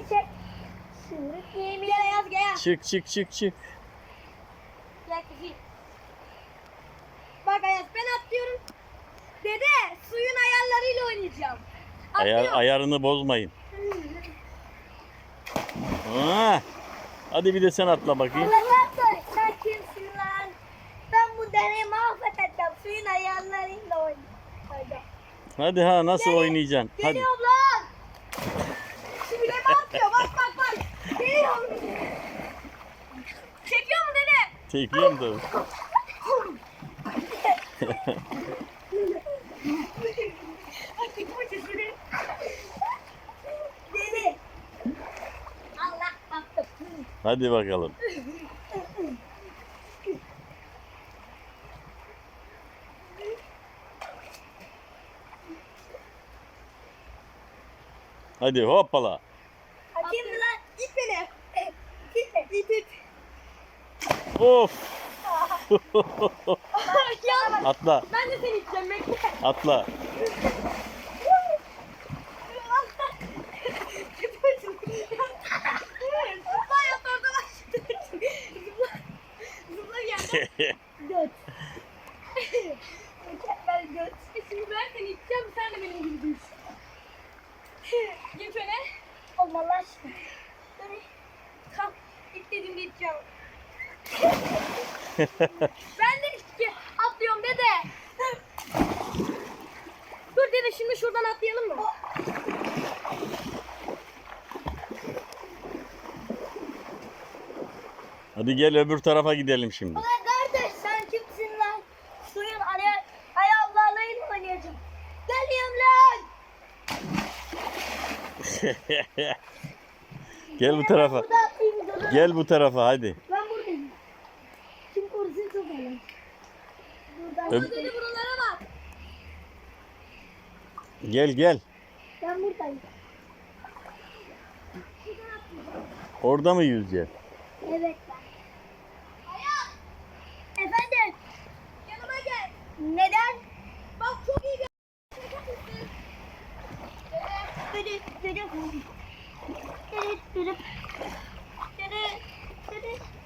çek. Sürük yemin yaz gel. Çık çık çık çık. Gel kızım. Bak Ayaz ben atlıyorum. Dede suyun ayarlarıyla oynayacağım. Atlıyorum. Ayarını bozmayın. Aa, hadi bir de sen atla bakayım. Allah'ım sen kimsin lan? Ben bu deneyi mahvedeceğim. Suyun ayarlarıyla oynayacağım. Hadi ha nasıl oynayacaksın? Hadi. Geliyorum lan. Şu bile atıyor. Bak bak bak. Geliyorum. Çekiyor mu dede? Çekiyorum da. Dede. Allah attım. Hadi bakalım. Hadi hoppala. Kim lan? İt beni. İt it. Of. Ya, Atla. ben de seni iteceğim. Bekle. Atla. Zıpla yap orada bak. Zıpla gel. Göt. Mükemmel göt. Şimdi ben seni iteceğim. Sen de benim gibi düş. Geç öne. Olmalı aşkım. Dön. Kalk. İt dediğimde iteceğim. Ben de atlıyorum dede. Dur dede şimdi şuradan atlayalım mı? Hadi gel öbür tarafa gidelim şimdi. Ulan kardeş sen kimsin lan? Suyun ayağlarıyla oynayacağım. Geliyorum lan. Gel bu tarafa. Burada atlayayım dur. Gel bu tarafa hadi. Ben buradayım. Kim korusun çok önemli. Buradan. Öb- Dede buralara bak. Gel gel. Ben buradayım. Orada mı yüzeceğiz? Evet ben. Hayat. Efendim. Yanıma gel. Neden? Bak çok iyi bir. Dede. Dede. Dede. Dede. Dede. Dede.